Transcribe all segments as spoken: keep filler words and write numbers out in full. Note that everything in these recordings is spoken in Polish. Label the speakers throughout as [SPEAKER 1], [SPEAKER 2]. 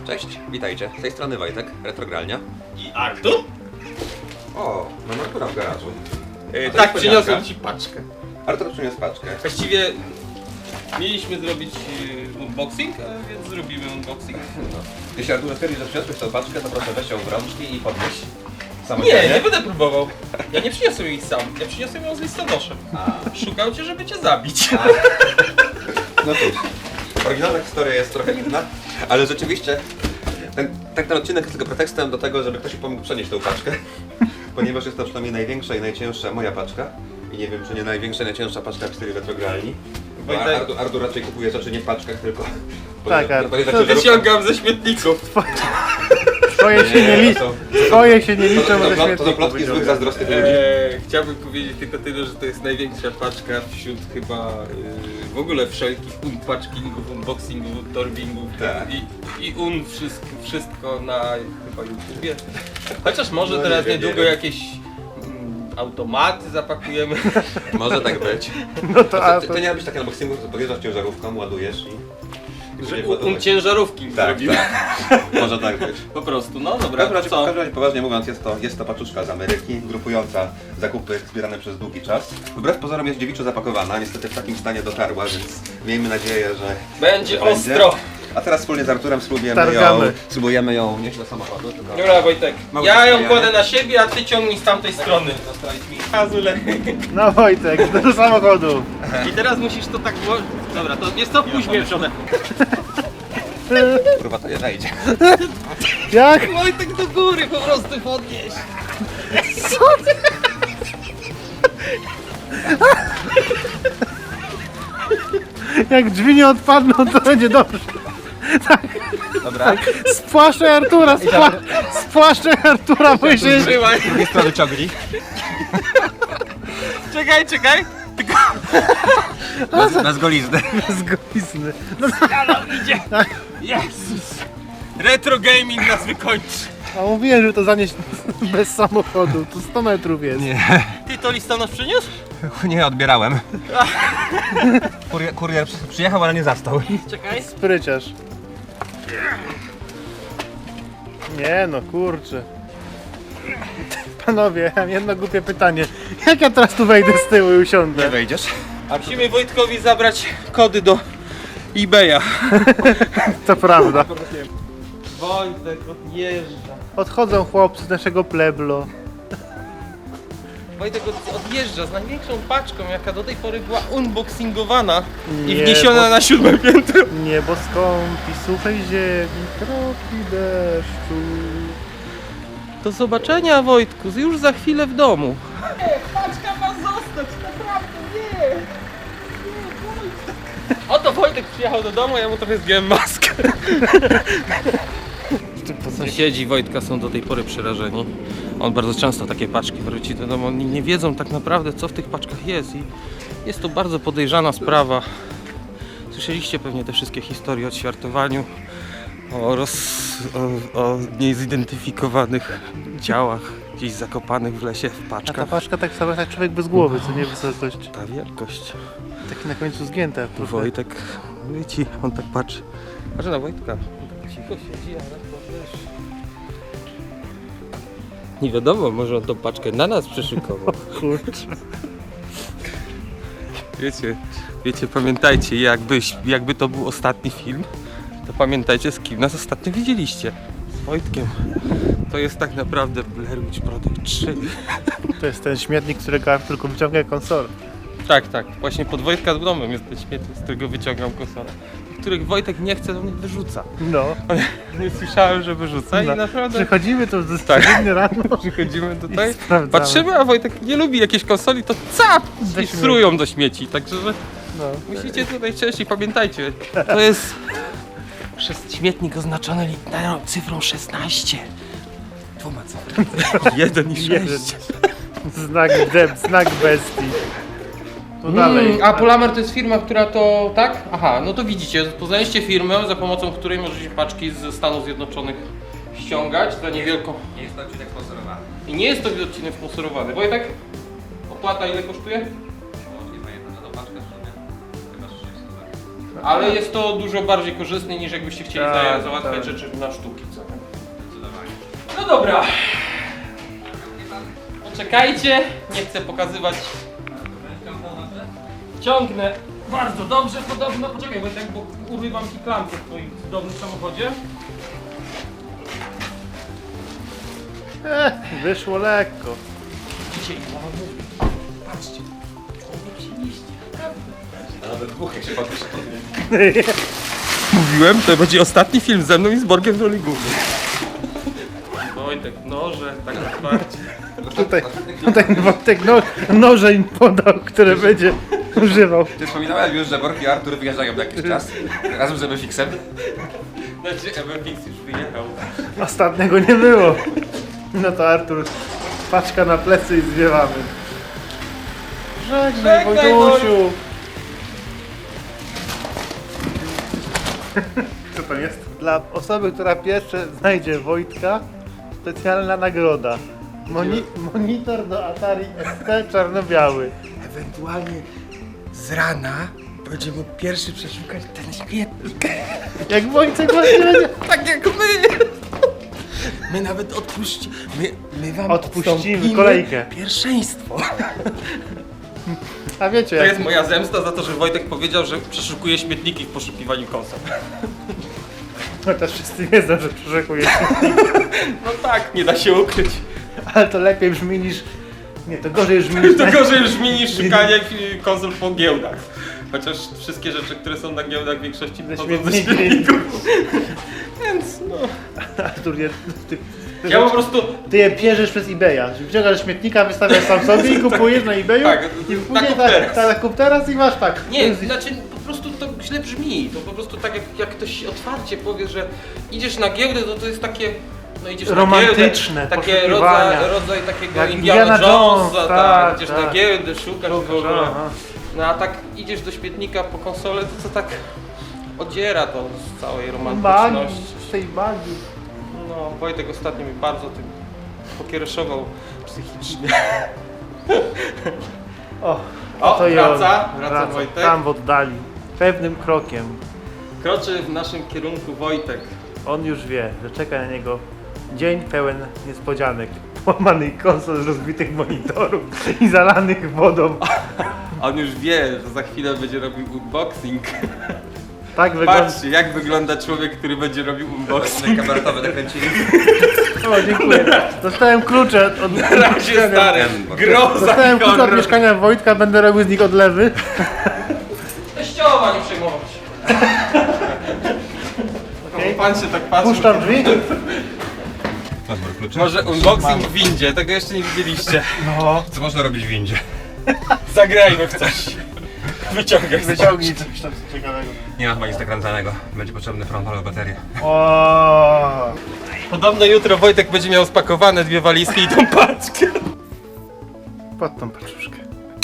[SPEAKER 1] Cześć, witajcie. Z tej strony Wojtek, Retrogralnia.
[SPEAKER 2] I Artur?
[SPEAKER 1] O, mam Artura w garażu.
[SPEAKER 2] Yy,
[SPEAKER 1] to
[SPEAKER 2] tak,
[SPEAKER 1] jest
[SPEAKER 2] przyniosłem
[SPEAKER 1] podzianka.
[SPEAKER 2] ci paczkę.
[SPEAKER 1] Artur przyniósł paczkę.
[SPEAKER 2] Właściwie mieliśmy zrobić yy, unboxing, a więc zrobimy unboxing.
[SPEAKER 1] No. Jeśli Artur stwierdzi, że przyniosłeś tą paczkę, to proszę weź ją w rączki i podnieś.
[SPEAKER 2] Nie,
[SPEAKER 1] Samodzielnie.
[SPEAKER 2] nie będę próbował. Ja nie przyniosłem jej sam, ja przyniosłem ją z listonoszem. Szukał cię, żeby cię zabić.
[SPEAKER 1] No cóż, oryginalna historia jest trochę inna, ale rzeczywiście ten, ten, ten odcinek jest tylko pretekstem do tego, żeby ktoś mi pomógł przenieść tą paczkę, ponieważ jest to przynajmniej największa i najcięższa moja paczka i nie wiem, czy nie największa i najcięższa paczka w stylu Retrogralni. Bo
[SPEAKER 2] Wojtek-
[SPEAKER 1] Artur, Artur raczej kupuje rzeczy nie w paczkach, tylko
[SPEAKER 3] Tak,
[SPEAKER 1] podjeżdża-
[SPEAKER 3] Artur,
[SPEAKER 1] podjeżdża
[SPEAKER 3] to
[SPEAKER 1] ciężarówką.
[SPEAKER 2] Wyciągam ze śmietników.
[SPEAKER 3] Twoje się nie liczą. Twoje się nie
[SPEAKER 1] To,
[SPEAKER 3] liczą,
[SPEAKER 1] to,
[SPEAKER 3] bo
[SPEAKER 1] to,
[SPEAKER 3] ze
[SPEAKER 1] to, to
[SPEAKER 3] śmietników
[SPEAKER 1] plotki złych,
[SPEAKER 3] wyciągasz.
[SPEAKER 1] zazdrosnych ludzi.
[SPEAKER 2] Eee, chciałbym powiedzieć tylko tyle, że to jest największa paczka wśród chyba yy, w ogóle wszelkich unpackingów, unboxingów, torbingów
[SPEAKER 1] Tak.
[SPEAKER 2] i, i un wszystko, wszystko na chyba YouTubie. Chociaż może
[SPEAKER 1] No nie
[SPEAKER 2] teraz
[SPEAKER 1] wiem,
[SPEAKER 2] niedługo
[SPEAKER 1] nie wiem.
[SPEAKER 2] jakieś mm, automaty zapakujemy.
[SPEAKER 1] Może tak być.
[SPEAKER 3] No to
[SPEAKER 1] To,
[SPEAKER 3] a
[SPEAKER 1] to,
[SPEAKER 3] to...
[SPEAKER 1] to nie ma być takie unboxingu, że podjeżdżasz ciężarówką, ładujesz i... i
[SPEAKER 2] Że
[SPEAKER 1] sobie
[SPEAKER 2] un, un
[SPEAKER 1] ładować.
[SPEAKER 2] ciężarówki
[SPEAKER 1] Tak,
[SPEAKER 2] zrobimy.
[SPEAKER 1] tak. Może tak być.
[SPEAKER 2] Po prostu, no
[SPEAKER 1] W
[SPEAKER 2] dobra,
[SPEAKER 1] każdym
[SPEAKER 2] to
[SPEAKER 1] razie, w
[SPEAKER 2] co?
[SPEAKER 1] każdym razie poważnie mówiąc, jest to, jest to paczuszka z Ameryki, grupująca zakupy zbierane przez długi czas. Wbrew pozorom jest dziewiczo zapakowana, niestety w takim stanie dotarła, więc miejmy nadzieję, że
[SPEAKER 2] Będzie
[SPEAKER 1] że
[SPEAKER 2] ostro.
[SPEAKER 1] A teraz wspólnie z Arturem spróbujemy ją,
[SPEAKER 3] Targamy.
[SPEAKER 1] spróbujemy ją nieść do samochodu. Tylko...
[SPEAKER 2] Dobra Wojtek,
[SPEAKER 1] Mało
[SPEAKER 2] ja ją
[SPEAKER 1] rozwijania.
[SPEAKER 2] kładę na siebie, a ty ciągnij z tamtej strony. Azule.
[SPEAKER 3] No Wojtek, do samochodu.
[SPEAKER 2] I teraz musisz to tak włożyć. Dobra, to jest to pójdź mnie w przodem.
[SPEAKER 1] Kurwa, to nie wejdzie.
[SPEAKER 3] Jak?
[SPEAKER 2] Wojtek do góry po prostu podnieś.
[SPEAKER 3] Jak drzwi nie odpadną, to będzie dobrze.
[SPEAKER 1] Dobra.
[SPEAKER 3] Spłaszczaj Artura, spła... spłaszczaj Artura, bo się...
[SPEAKER 2] Trzymaj.
[SPEAKER 1] Z drugiej strony ciągnij.
[SPEAKER 2] Czekaj, czekaj.
[SPEAKER 1] Bez, bez golizny.
[SPEAKER 3] Zgoizny.
[SPEAKER 2] Jezus. Retro gaming nas wykończy.
[SPEAKER 3] A mówiłem, że to zanieść bez samochodu, to sto metrów jest.
[SPEAKER 1] Nie,
[SPEAKER 2] Ty to listonosz przyniósł?
[SPEAKER 1] nie odbierałem. Kurier, kurier przy- przyjechał, ale nie zastał.
[SPEAKER 2] Czekaj.
[SPEAKER 3] Spryciarz. Nie no, kurczę. Panowie, mam jedno głupie pytanie. Jak ja teraz tu wejdę z tyłu i usiądę?
[SPEAKER 1] wejdziesz.
[SPEAKER 2] A musimy Wojtkowi zabrać kody do eBaya.
[SPEAKER 3] To prawda.
[SPEAKER 2] Wojtek odjeżdża.
[SPEAKER 3] Odchodzą chłopcy z naszego pleblo.
[SPEAKER 2] Wojtek od, odjeżdża z największą paczką, jaka do tej pory była unboxingowana i
[SPEAKER 3] Nie,
[SPEAKER 2] wniesiona
[SPEAKER 3] bo-
[SPEAKER 2] na siódme piętro.
[SPEAKER 3] Niebo skąpi, suchej ziemi, kropli deszczu.
[SPEAKER 2] Do zobaczenia Wojtku, już za chwilę w domu. Nie, paczka ma zostać, naprawdę nie. Oto Wojtek przyjechał do domu, ja mu trochę zdjąłem maskę. Sąsiedzi Wojtka są do tej pory przerażeni. On bardzo często takie paczki wróci do domu. Oni nie wiedzą tak naprawdę, co w tych paczkach jest i jest to bardzo podejrzana sprawa. Słyszeliście pewnie te wszystkie historie o ćwiartowaniu, o, roz, o, o niezidentyfikowanych ciałach gdzieś zakopanych w lesie, w
[SPEAKER 3] A ta
[SPEAKER 2] paczkach.
[SPEAKER 3] paszka tak sama jak człowiek bez głowy, co nie wysokość.
[SPEAKER 2] Ta wielkość.
[SPEAKER 3] Taki na końcu zgięta trochę.
[SPEAKER 2] Wojtek, wiecie, on tak patrzy. Patrzę na Wojtka. On tak cicho siedzi, ale to wiesz. Nie wiadomo, może on tą paczkę na nas przyszykował.
[SPEAKER 3] Kurczę.
[SPEAKER 2] Wiecie, wiecie, pamiętajcie, jakbyś, jakby to był ostatni film, to pamiętajcie, z kim nas ostatnio widzieliście. Z Wojtkiem. To jest tak naprawdę Blair Witch Project trzy.
[SPEAKER 3] To jest ten śmietnik, którego Artur tylko wyciąga konsolę.
[SPEAKER 2] Tak, tak. Właśnie pod Wojtka z domem jest ten śmietnik, z którego wyciągam konsolę. Których Wojtek nie chce, do mnie wyrzuca.
[SPEAKER 3] No.
[SPEAKER 2] Nie słyszałem, że wyrzuca i
[SPEAKER 3] no.
[SPEAKER 2] naprawdę
[SPEAKER 3] Przychodzimy tu z
[SPEAKER 2] Tak.
[SPEAKER 3] codziennie rano.
[SPEAKER 2] przychodzimy
[SPEAKER 3] I
[SPEAKER 2] tutaj,
[SPEAKER 3] sprawdzamy.
[SPEAKER 2] patrzymy, a Wojtek nie lubi jakiejś konsoli, to cap! I
[SPEAKER 3] śmieci.
[SPEAKER 2] srują do śmieci, także że
[SPEAKER 3] No.
[SPEAKER 2] musicie tutaj częściej, pamiętajcie, to jest przez śmietnik oznaczony literą cyfrą szesnaście. Dwoma cyframi. Jeden i
[SPEAKER 3] Jeden.
[SPEAKER 2] sześć.
[SPEAKER 3] Znak deb, znak bestii. Tu dalej.
[SPEAKER 2] Mm, a Polamer to jest firma, która to, tak? Aha, no to widzicie, poznaliście firmę, za pomocą której możecie paczki ze Stanów Zjednoczonych ściągać za niewielką.
[SPEAKER 1] Nie jest to odcinek sponsorowany.
[SPEAKER 2] I nie jest to odcinek sponsorowany. Wojtek, opłata ile kosztuje?
[SPEAKER 1] Nie pamiętam, na tą paczkę w sumie. Chyba sześć złotych.
[SPEAKER 2] Ale jest to dużo bardziej korzystne niż jakbyście chcieli
[SPEAKER 3] Tak,
[SPEAKER 2] za- załatwiać
[SPEAKER 3] tak.
[SPEAKER 2] rzeczy na sztuki, co nie? No dobra. Poczekajcie, nie chcę pokazywać. Ciągnę bardzo dobrze, podobno. Poczekaj, bo tak bo urywam ci klamkę w twoim cudownym samochodzie.
[SPEAKER 3] Eh, wyszło lekko.
[SPEAKER 2] Dzisiaj mama mówi. Patrzcie, człowiek się mieści.
[SPEAKER 1] A nawet dwóch, jak się podpisze.
[SPEAKER 2] Mówiłem, to będzie ostatni film ze mną i z Borgiem w roli głównej. Wojtek, noże, tak otwarcie.
[SPEAKER 3] Tutaj, tutaj Wojtek no, noże im podał, które będzie używał.
[SPEAKER 1] Ty wspominałem już, że Borg i Artur wyjeżdżają na jakiś czas. Razem z Ebefixem.
[SPEAKER 2] Znaczy, Ebefix już wyjechał.
[SPEAKER 3] Ostatniego nie było. No to Artur, paczka na plecy i zwiewamy. Żegnaj,
[SPEAKER 2] Żegnaj,
[SPEAKER 3] Wojtusiu. Co to jest? Dla osoby, która pierwsze znajdzie Wojtka, specjalna nagroda. Moni monitor do Atari S T czarno-biały.
[SPEAKER 4] Ewentualnie z rana będzie mógł pierwszy przeszukać ten śmietnik.
[SPEAKER 3] Jak Wojtek właśnie będzie...
[SPEAKER 4] Tak jak my! My nawet odpuści... My, my wam
[SPEAKER 3] Odpuścimy
[SPEAKER 4] odstąpimy
[SPEAKER 3] kolejkę.
[SPEAKER 4] Pierwszeństwo.
[SPEAKER 3] A wiecie,
[SPEAKER 2] To
[SPEAKER 3] jak...
[SPEAKER 2] jest moja zemsta za to, że Wojtek powiedział, że przeszukuje śmietniki w poszukiwaniu konsol.
[SPEAKER 3] No też wszyscy wiedzą, że przeszukuje.
[SPEAKER 2] No tak, nie da się ukryć.
[SPEAKER 3] Ale to lepiej brzmi niż... Nie, to gorzej brzmi niż...
[SPEAKER 2] To gorzej brzmi niż szukanie y, konsol po giełdach. Chociaż wszystkie rzeczy, które są na giełdach w większości
[SPEAKER 3] Ze
[SPEAKER 2] pochodzą ze
[SPEAKER 3] śmietników.
[SPEAKER 2] śmietników. Więc no...
[SPEAKER 3] Artur, nie, ty, ty,
[SPEAKER 2] Ja po prostu...
[SPEAKER 3] ty je bierzesz przez eBaya. Wciągasz śmietnika, wystawiasz sam sobie i kupujesz na eBayu.
[SPEAKER 2] Tak,
[SPEAKER 3] I
[SPEAKER 2] na
[SPEAKER 3] później
[SPEAKER 2] kup
[SPEAKER 3] tak,
[SPEAKER 2] teraz.
[SPEAKER 3] tak, kup teraz i masz tak.
[SPEAKER 2] Nie, znaczy po prostu to źle brzmi. To po prostu tak jak, jak ktoś otwarcie powie, że idziesz na giełdę, to to jest takie... No idziesz
[SPEAKER 3] Romantyczne
[SPEAKER 2] na giełdę, takie
[SPEAKER 3] poszukiwania.
[SPEAKER 2] rodzaj, rodzaj takiego
[SPEAKER 3] Jak
[SPEAKER 2] Indiana
[SPEAKER 3] Indiana
[SPEAKER 2] Jonesa,
[SPEAKER 3] Jones,
[SPEAKER 2] tak,
[SPEAKER 3] tak,
[SPEAKER 2] idziesz
[SPEAKER 3] tak.
[SPEAKER 2] na giełdę, szukasz w ogóle.
[SPEAKER 3] Aha.
[SPEAKER 2] No a tak idziesz do śmietnika po konsolę, to co tak odziera to z całej
[SPEAKER 3] Magii,
[SPEAKER 2] romantyczności.
[SPEAKER 3] z tej magii.
[SPEAKER 2] No, Wojtek ostatnio mi bardzo tym pokiereszował psychicznie.
[SPEAKER 3] O,
[SPEAKER 2] O,
[SPEAKER 3] to i
[SPEAKER 2] wraca,
[SPEAKER 3] on.
[SPEAKER 2] wraca Wojtek.
[SPEAKER 3] Tam w oddali. Pewnym krokiem.
[SPEAKER 2] Kroczy w naszym kierunku Wojtek.
[SPEAKER 3] On już wie, że czeka na niego dzień pełen niespodzianek. Połamanych konsol, rozbitych monitorów i zalanych wodą.
[SPEAKER 2] A on już wie, że za chwilę będzie robił unboxing.
[SPEAKER 3] Tak wygląda.
[SPEAKER 2] Patrzcie, jak wygląda człowiek, który będzie robił unboxing.
[SPEAKER 1] Tutaj kameratowe nakręcili.
[SPEAKER 3] O, dziękuję. Dostałem klucze od, od
[SPEAKER 2] Na razie stary, groza
[SPEAKER 3] Dostałem
[SPEAKER 2] i
[SPEAKER 3] klucze od
[SPEAKER 2] horror.
[SPEAKER 3] mieszkania Wojtka, będę robił z nich odlewy.
[SPEAKER 2] Teściowa, nie przejmować.
[SPEAKER 3] Okej.
[SPEAKER 2] Pan się tak patrzy.
[SPEAKER 3] Puszczam drzwi.
[SPEAKER 1] Masz Borg klucze?
[SPEAKER 2] Może unboxing w windzie, tego jeszcze nie widzieliście.
[SPEAKER 3] No.
[SPEAKER 1] Co można robić w windzie?
[SPEAKER 2] Zagrajmy w coś. Wyciągaj
[SPEAKER 3] Wyciągnij coś tam ciekawego.
[SPEAKER 1] Nie ma chyba nic nakręcanego. Będzie potrzebny prąd albo baterię.
[SPEAKER 3] O.
[SPEAKER 2] Podobno jutro Wojtek będzie miał spakowane dwie walizki i tą paczkę.
[SPEAKER 3] Pod tą paczuszkę.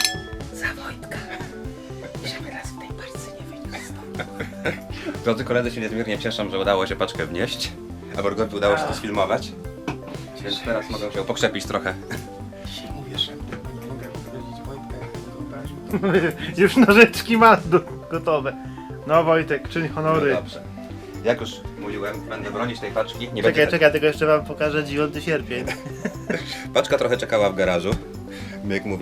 [SPEAKER 1] Drodzy koledzy, się niezmiernie cieszę, że udało się paczkę wnieść, a Borgowi udało się to sfilmować. Więc teraz mogę się pokrzepić trochę.
[SPEAKER 4] Dzisiaj mówię, że nie mogę powiedzieć Wojtka, jak tego wyobraził.
[SPEAKER 3] Już nożyczki ma do, gotowe. No Wojtek, czyń
[SPEAKER 1] No
[SPEAKER 3] honory.
[SPEAKER 1] dobrze. Jak już mówiłem, będę bronić tej paczki. Nie
[SPEAKER 3] Czekaj,
[SPEAKER 1] będzie
[SPEAKER 3] czekaj, tylko jeszcze wam pokażę dziewiąty sierpień.
[SPEAKER 1] tak. Paczka trochę czekała w garażu. Jak mówię.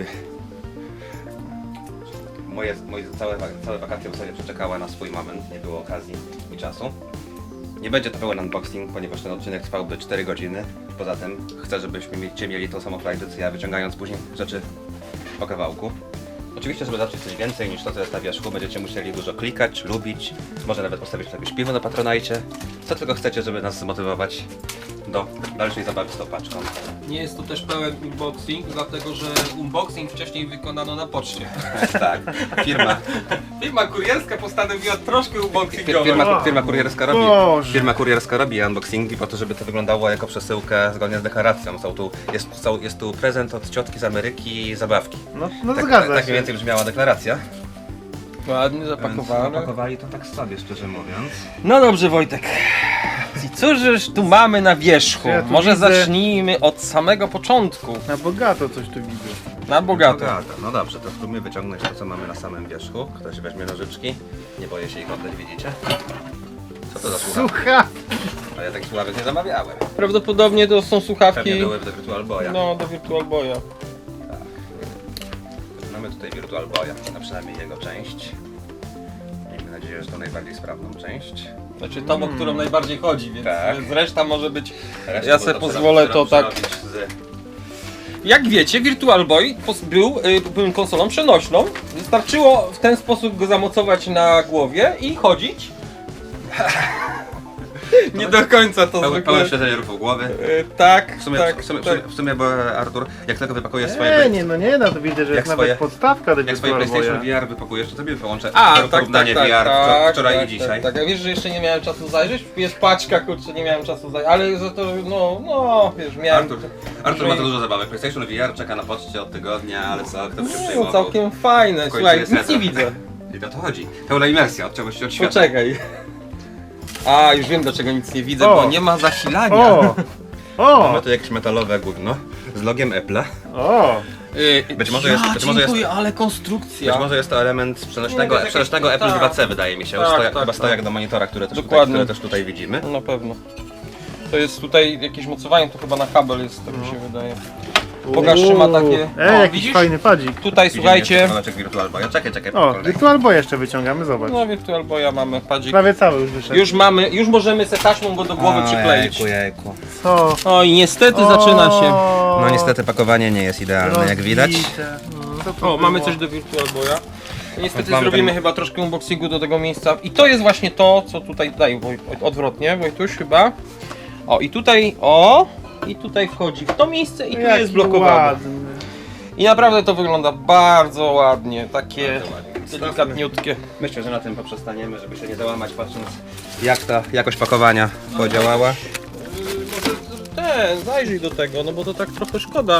[SPEAKER 1] Moje, moje całe, całe wakacje w sobie przeczekały na swój moment. Nie było okazji i czasu. Nie będzie to pełen unboxing, ponieważ ten odcinek trwałby cztery godziny. Poza tym chcę, żebyście mieli tą samą frajdę, co ja, wyciągając później rzeczy po kawałku. Oczywiście, żeby zacząć coś więcej niż to, co jest na wierzchu, będziecie musieli dużo klikać, lubić, może nawet postawić jakieś piwo na Patronajcie. Co tylko chcecie, żeby nas zmotywować do dalszej zabawy z tą paczką.
[SPEAKER 2] Nie jest to też pełen unboxing, dlatego że unboxing wcześniej wykonano na poczcie.
[SPEAKER 1] Tak, firma,
[SPEAKER 2] Firma kurierska postanowiła troszkę unboxingować.
[SPEAKER 1] firma, firma kurierska robi,
[SPEAKER 3] Boże.
[SPEAKER 1] firma kurierska robi unboxingi po to, żeby to wyglądało jako przesyłka zgodnie z deklaracją. Są tu, jest, są, jest tu prezent od ciotki z Ameryki i zabawki.
[SPEAKER 3] No, no
[SPEAKER 1] Tak,
[SPEAKER 3] zgadza
[SPEAKER 1] tak
[SPEAKER 3] się.
[SPEAKER 1] mniej więcej brzmiała deklaracja.
[SPEAKER 2] Ładnie
[SPEAKER 1] Więc
[SPEAKER 2] zapakowane.
[SPEAKER 1] Zapakowali to tak sobie, szczerze mówiąc.
[SPEAKER 2] No dobrze Wojtek. I cóż tu mamy na wierzchu?
[SPEAKER 3] Ja tu
[SPEAKER 2] Może
[SPEAKER 3] widzę-
[SPEAKER 2] zacznijmy od samego początku.
[SPEAKER 3] Na bogato coś tu widzę.
[SPEAKER 2] Na bogato.
[SPEAKER 1] Bogata. No dobrze, to spróbujmy wyciągnąć to, co mamy na samym wierzchu. Ktoś weźmie nożyczki. Nie boję się ich oddać, widzicie? Co to za słuchawki?
[SPEAKER 3] Słucha!
[SPEAKER 1] A ja takich słuchawek nie zamawiałem.
[SPEAKER 2] Prawdopodobnie to są słuchawki.
[SPEAKER 1] Pewnie były do Virtual Boya.
[SPEAKER 2] No, do Virtual Boya.
[SPEAKER 1] Mamy tutaj Virtual Boya, a przynajmniej jego część. Miejmy nadzieję, że to najbardziej sprawną część.
[SPEAKER 2] Znaczy tą, o którą najbardziej chodzi, więc
[SPEAKER 1] Tak.
[SPEAKER 2] reszta może być.
[SPEAKER 1] Resztę
[SPEAKER 2] Ja
[SPEAKER 1] to
[SPEAKER 2] sobie
[SPEAKER 1] trzeba-
[SPEAKER 2] pozwolę
[SPEAKER 1] trzeba
[SPEAKER 2] to tak.
[SPEAKER 1] przerobić Z...
[SPEAKER 2] Jak wiecie, Virtual Boy pos- był, y, był konsolą przenośną. Wystarczyło w ten sposób go zamocować na głowie i chodzić. Nie do końca to
[SPEAKER 1] Pełen,
[SPEAKER 2] zwykle.
[SPEAKER 1] pełen śledzenie ruchu głowy.
[SPEAKER 2] Y, tak,
[SPEAKER 1] W sumie,
[SPEAKER 2] tak,
[SPEAKER 1] w sumie,
[SPEAKER 2] tak.
[SPEAKER 1] w sumie, bo Artur, jak tylko wypakujesz swoje...
[SPEAKER 3] Nie, nie, no nie, no to widzę, że
[SPEAKER 1] Jak
[SPEAKER 3] jest
[SPEAKER 1] swoje-
[SPEAKER 3] nawet podstawka do
[SPEAKER 1] Jak swoje
[SPEAKER 3] Virtual
[SPEAKER 1] PlayStation
[SPEAKER 3] Boya.
[SPEAKER 1] V R wypakujesz, to sobie wyłączę
[SPEAKER 2] A, tak,
[SPEAKER 1] porównanie
[SPEAKER 2] tak, tak,
[SPEAKER 1] V R wczor-
[SPEAKER 2] tak,
[SPEAKER 1] wczoraj
[SPEAKER 2] tak,
[SPEAKER 1] i dzisiaj.
[SPEAKER 2] Tak, tak, a wiesz, że jeszcze nie miałem czasu zajrzeć? Jest paczka, kurczę, nie miałem czasu zajrzeć, ale za to, no, no, wiesz, miałem...
[SPEAKER 1] Artur, Artur ma to dużo zabawek. PlayStation V R czeka na poczcie od tygodnia, ale co, kto by się
[SPEAKER 2] No,
[SPEAKER 1] przejmował?
[SPEAKER 2] całkiem fajne,
[SPEAKER 1] W końcu
[SPEAKER 2] słuchaj,
[SPEAKER 1] jest
[SPEAKER 2] nic
[SPEAKER 1] retro.
[SPEAKER 2] nie widzę.
[SPEAKER 1] I to to chodzi. Pełna imersja od czegoś od świata.
[SPEAKER 2] Poczekaj. A, już wiem, dlaczego nic nie widzę,
[SPEAKER 3] O.
[SPEAKER 2] bo nie ma zasilania.
[SPEAKER 3] O! O!
[SPEAKER 1] Mamy tu jakieś metalowe gówno z logiem Apple'a.
[SPEAKER 3] O!
[SPEAKER 2] Yy,
[SPEAKER 1] Być może jest-
[SPEAKER 2] ja
[SPEAKER 1] być może jest-
[SPEAKER 2] dziękuję, ale konstrukcja.
[SPEAKER 1] Być może jest to element przenośnego,
[SPEAKER 2] Nie, to jest
[SPEAKER 1] przenośnego
[SPEAKER 2] jakieś-
[SPEAKER 1] Apple
[SPEAKER 2] tak.
[SPEAKER 1] dwa C, wydaje mi się.
[SPEAKER 2] Tak,
[SPEAKER 1] Stojak,
[SPEAKER 2] tak,
[SPEAKER 1] chyba
[SPEAKER 2] tak.
[SPEAKER 1] stojak do monitora, które też, tutaj,
[SPEAKER 2] Dokładnie.
[SPEAKER 1] które też tutaj widzimy.
[SPEAKER 2] Na pewno. To jest tutaj jakieś mocowanie, to chyba na kabel jest, tak mi się wydaje. Pokaż, czy ma takie...
[SPEAKER 3] Ej,
[SPEAKER 2] O,
[SPEAKER 3] jakiś
[SPEAKER 2] widzisz?
[SPEAKER 3] fajny padzik.
[SPEAKER 2] Tutaj,
[SPEAKER 1] Widzimy
[SPEAKER 2] słuchajcie...
[SPEAKER 1] jeszcze kawałeczek Virtual Boya. Czekaj, czekaj, po
[SPEAKER 3] O,
[SPEAKER 1] kolei.
[SPEAKER 3] Virtual Boy jeszcze wyciągamy, zobacz.
[SPEAKER 2] No, Virtual Boya mamy, padzik.
[SPEAKER 3] Prawie cały już wyszedł.
[SPEAKER 2] Już mamy, już możemy se taśmą go do głowy przykleić.
[SPEAKER 1] Jejku, jejku.
[SPEAKER 3] Co?
[SPEAKER 2] Oj, niestety zaczyna się.
[SPEAKER 1] No niestety pakowanie nie jest idealne, jak widać.
[SPEAKER 3] Rozbite. Co to
[SPEAKER 2] O, mamy
[SPEAKER 3] było?
[SPEAKER 2] coś do Virtual Boya. Niestety
[SPEAKER 1] Mamy
[SPEAKER 2] zrobimy
[SPEAKER 1] ten-
[SPEAKER 2] chyba troszkę unboxingu do tego miejsca. I to jest właśnie to, co tutaj daj, Woj- odwrotnie, Wojtuś chyba. O, i tutaj, o, i tutaj wchodzi w to miejsce i tu
[SPEAKER 3] Jaki
[SPEAKER 2] jest blokowane.
[SPEAKER 3] ładny.
[SPEAKER 2] I naprawdę to wygląda bardzo ładnie, takie
[SPEAKER 1] Bardzo ładnie.
[SPEAKER 2] delikatniutkie.
[SPEAKER 1] Myślę, że na tym poprzestaniemy, żeby się nie załamać, patrząc jak ta jakość pakowania podziałała.
[SPEAKER 2] Ten, zajrzyj do tego, no bo to tak trochę szkoda.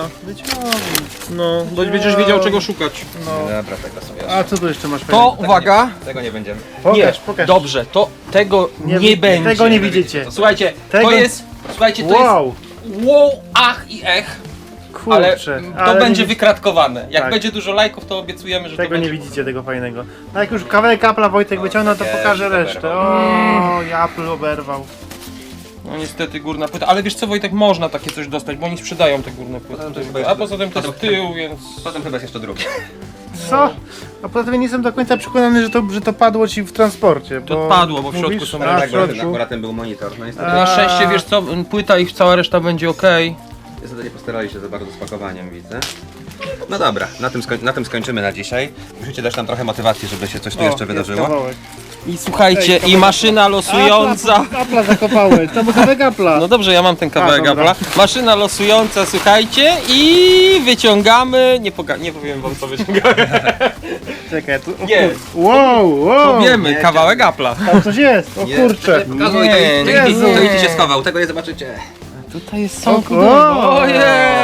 [SPEAKER 2] No, bo będziesz wiedział czego szukać.
[SPEAKER 3] No.
[SPEAKER 1] Dobra, tego sobie.
[SPEAKER 3] A co tu jeszcze masz?
[SPEAKER 2] To,
[SPEAKER 3] fajnego?
[SPEAKER 2] uwaga,
[SPEAKER 1] Tego nie będziemy.
[SPEAKER 3] Pokaż,
[SPEAKER 2] nie,
[SPEAKER 3] pokaż.
[SPEAKER 2] dobrze, to tego nie,
[SPEAKER 3] Nie wi-
[SPEAKER 2] będzie.
[SPEAKER 3] tego nie widzicie.
[SPEAKER 2] Słuchajcie,
[SPEAKER 3] Tego-
[SPEAKER 2] to jest, słuchajcie, to
[SPEAKER 3] Wow,
[SPEAKER 2] jest wow, ach i ech, ale
[SPEAKER 3] kurczę.
[SPEAKER 2] to
[SPEAKER 3] ale
[SPEAKER 2] będzie
[SPEAKER 3] nie,
[SPEAKER 2] wykratkowane. Jak
[SPEAKER 3] Tak.
[SPEAKER 2] będzie dużo lajków, to obiecujemy, że
[SPEAKER 3] Tego
[SPEAKER 2] to
[SPEAKER 3] nie
[SPEAKER 2] będzie...
[SPEAKER 3] widzicie, tego fajnego. No jak już kawałek Apple'a Wojtek
[SPEAKER 1] O,
[SPEAKER 3] wyciągnął, to
[SPEAKER 1] tak jest,
[SPEAKER 3] pokażę
[SPEAKER 1] oberwał.
[SPEAKER 3] resztę. O, i Apple oberwał.
[SPEAKER 2] No niestety górna płyta, ale wiesz co Wojtek, można takie coś dostać, bo oni sprzedają te górne płyty.
[SPEAKER 1] Poza tym to jest chyba
[SPEAKER 2] A
[SPEAKER 1] jeszcze-
[SPEAKER 2] poza tym to jest
[SPEAKER 1] poza-
[SPEAKER 2] tył, więc...
[SPEAKER 1] Potem chyba jest jeszcze drugi.
[SPEAKER 3] Co? A poza tym nie jestem do końca przekonany, że to, że to padło ci w transporcie.
[SPEAKER 2] To
[SPEAKER 3] bo
[SPEAKER 2] padło, bo w środku
[SPEAKER 3] mówisz,
[SPEAKER 2] są
[SPEAKER 3] a,
[SPEAKER 2] ręce.
[SPEAKER 3] w
[SPEAKER 1] Akurat,
[SPEAKER 3] środku.
[SPEAKER 1] akurat ten był monitor. No niestety,
[SPEAKER 2] Na szczęście wiesz co, płyta i cała reszta będzie ok.
[SPEAKER 1] niestety nie postarali się za bardzo z pakowaniem, widzę. No dobra, na tym, skoń, na tym skończymy na dzisiaj. Musicie dać nam trochę motywacji, żeby się coś tu
[SPEAKER 3] O,
[SPEAKER 1] jeszcze
[SPEAKER 3] jest
[SPEAKER 1] wydarzyło.
[SPEAKER 3] kawałek.
[SPEAKER 2] I słuchajcie,
[SPEAKER 3] Ej,
[SPEAKER 2] i maszyna losująca.
[SPEAKER 3] Apple'a, Apple'a zakopałeś, to był kawałek Apple'a.
[SPEAKER 2] No dobrze, ja mam ten kawałek
[SPEAKER 3] A, dobra.
[SPEAKER 2] Apple'a. Maszyna losująca, słuchajcie, i wyciągamy. Nie, poga- nie powiem wam co wyciągamy.
[SPEAKER 3] Czekaj, tu... O,
[SPEAKER 2] Nie.
[SPEAKER 3] kur- Wow, wow.
[SPEAKER 2] Powiemy,
[SPEAKER 1] nie,
[SPEAKER 2] kawałek Apple'a.
[SPEAKER 3] Tam coś jest, o kurczę.
[SPEAKER 1] Nie, pokazuj,
[SPEAKER 2] Nie,
[SPEAKER 1] to, to,
[SPEAKER 3] nie,
[SPEAKER 1] to, to
[SPEAKER 3] nie.
[SPEAKER 1] idźcie się schował, tego nie zobaczycie.
[SPEAKER 2] Tutaj jest
[SPEAKER 3] O,
[SPEAKER 2] są
[SPEAKER 3] o,
[SPEAKER 2] Ojej!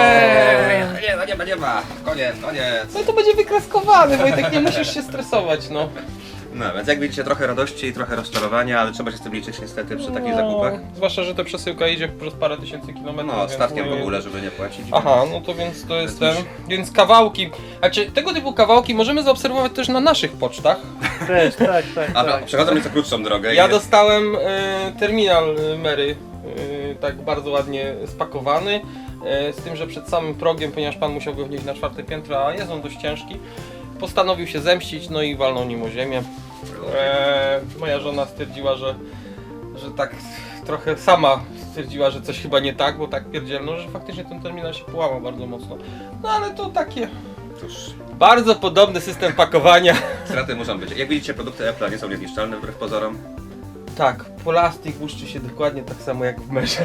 [SPEAKER 1] Nie ma, nie ma, nie ma. Koniec, koniec.
[SPEAKER 2] No to będzie wykraskowany, Wojtek, nie musisz się stresować, no.
[SPEAKER 1] No więc jak widzicie, trochę radości i trochę rozczarowania, ale trzeba się z tym liczyć niestety przy takich zakupach.
[SPEAKER 2] Zwłaszcza, że ta przesyłka idzie przez parę tysięcy kilometrów.
[SPEAKER 1] No,
[SPEAKER 2] więc
[SPEAKER 1] statkiem w
[SPEAKER 2] nie-
[SPEAKER 1] ogóle, żeby nie płacić.
[SPEAKER 2] Aha, no to więc to jest ten.
[SPEAKER 1] Więc
[SPEAKER 2] Więc kawałki. Znaczy, tego typu kawałki możemy zaobserwować też na naszych pocztach.
[SPEAKER 3] Też, tak, tak,
[SPEAKER 1] A
[SPEAKER 3] tak.
[SPEAKER 1] przechodzą nieco krótszą drogę.
[SPEAKER 2] Ja
[SPEAKER 1] i-
[SPEAKER 2] dostałem e, terminal e, Mary, e, tak bardzo ładnie spakowany. E, z tym, że przed samym progiem, ponieważ pan musiał go wnieść na czwarte piętro, a jest on dość ciężki, postanowił się zemścić, no i walnął nim o ziemię. E, moja żona stwierdziła, że, że tak trochę sama stwierdziła, że coś chyba nie tak, bo tak pierdzielno, że faktycznie ten terminal się połamał bardzo mocno. No ale to takie
[SPEAKER 1] Cóż,
[SPEAKER 2] bardzo podobny system pakowania.
[SPEAKER 1] straty muszą być. Jak widzicie, produkty Apple'a nie są niezniszczalne wbrew pozorom.
[SPEAKER 2] Tak, plastik błyszczy się dokładnie tak samo jak w merze.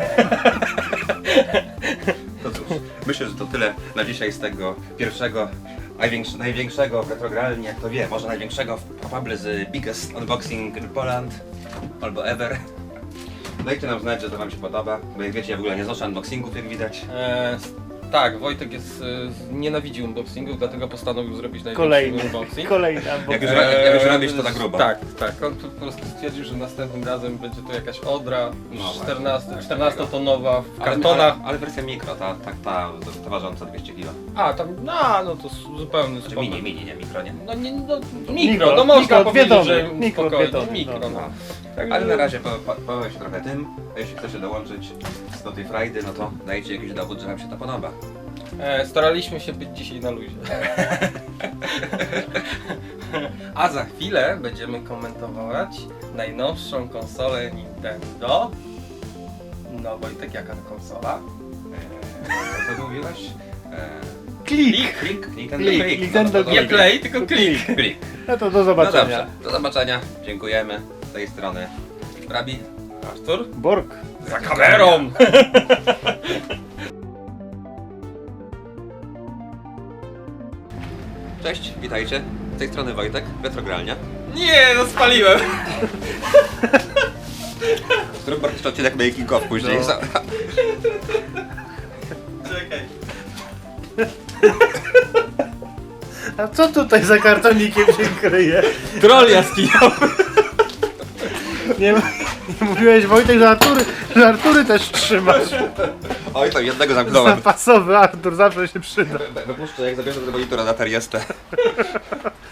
[SPEAKER 1] To cóż, myślę, że to tyle na dzisiaj z tego pierwszego, największy, największego retrogralnie, jak to wie, może największego probably z biggest unboxing in Poland albo ever. Dajcie nam znać, że to wam się podoba, bo jak wiecie, ja w ogóle nie znoszę unboxingów, jak widać.
[SPEAKER 2] Eee, Tak, Wojtek jest, y, nienawidzi unboxingów, dlatego postanowił zrobić największy
[SPEAKER 3] Kolejny,
[SPEAKER 2] unboxing.
[SPEAKER 3] kolejny
[SPEAKER 1] Jak już,
[SPEAKER 3] unboxing.
[SPEAKER 1] jak już robisz to na grubo.
[SPEAKER 2] Tak, tak. On po prostu stwierdził, że następnym razem będzie to jakaś Odra
[SPEAKER 1] No
[SPEAKER 2] czternaście, czternastotonowa w
[SPEAKER 1] Ale,
[SPEAKER 2] kartonach.
[SPEAKER 1] ale, ale wersja mikro, ta, ta, ta, ta ważąca dwieście kilo.
[SPEAKER 2] A, tam, no, no to zupełnie
[SPEAKER 1] Czy
[SPEAKER 2] spoko.
[SPEAKER 1] mini, mini, nie mikro, nie?
[SPEAKER 2] No, nie, no mikro,
[SPEAKER 3] Mikro,
[SPEAKER 2] no można
[SPEAKER 3] mikro, dwie
[SPEAKER 2] powiedzieć,
[SPEAKER 3] tony,
[SPEAKER 2] że
[SPEAKER 3] mikro,
[SPEAKER 2] spokojnie,
[SPEAKER 3] dwie tony,
[SPEAKER 2] mikro,
[SPEAKER 3] no.
[SPEAKER 2] no.
[SPEAKER 1] No.
[SPEAKER 2] Także-
[SPEAKER 1] Ale na razie po, po, powiem się trochę tym, a jeśli chcecie dołączyć do tej frajdy, no to dajcie jakiś dowód, że wam się to podoba.
[SPEAKER 2] E, staraliśmy się być dzisiaj na luzie. A za chwilę będziemy komentować najnowszą konsolę Nintendo. No Wojtek, jaka to konsola?
[SPEAKER 1] Eee, co ty mówiłeś? Eee,
[SPEAKER 3] Klik!
[SPEAKER 1] Klik, Nintendo
[SPEAKER 3] Klik,
[SPEAKER 1] Klik.
[SPEAKER 3] Nintendo
[SPEAKER 1] No to
[SPEAKER 2] Nie
[SPEAKER 1] dobrze.
[SPEAKER 2] Play, tylko klik.
[SPEAKER 1] Klik.
[SPEAKER 3] No to do
[SPEAKER 1] No
[SPEAKER 3] zobaczenia.
[SPEAKER 1] dobrze, do zobaczenia. Dziękujemy z tej strony. Rabi.
[SPEAKER 2] Artur?
[SPEAKER 3] Borg.
[SPEAKER 2] Za kamerą!
[SPEAKER 1] Cześć, witajcie. Z tej strony Wojtek, Retrogralnia.
[SPEAKER 2] Nie, no spaliłem!
[SPEAKER 1] Zrób bardzo odcinek making of później.
[SPEAKER 3] No.
[SPEAKER 2] Czekaj.
[SPEAKER 3] A co tutaj za kartonikiem się kryje?
[SPEAKER 2] Troll jaskinowy.
[SPEAKER 3] Nie, nie mówiłeś Wojtek, że Artury, że Artury też trzymasz.
[SPEAKER 1] Oj, tam jednego zamknąłem.
[SPEAKER 3] Zapasowy Artur zawsze się przyda.
[SPEAKER 1] Wypuszczę, jak zabierze do monitora na Teriestę.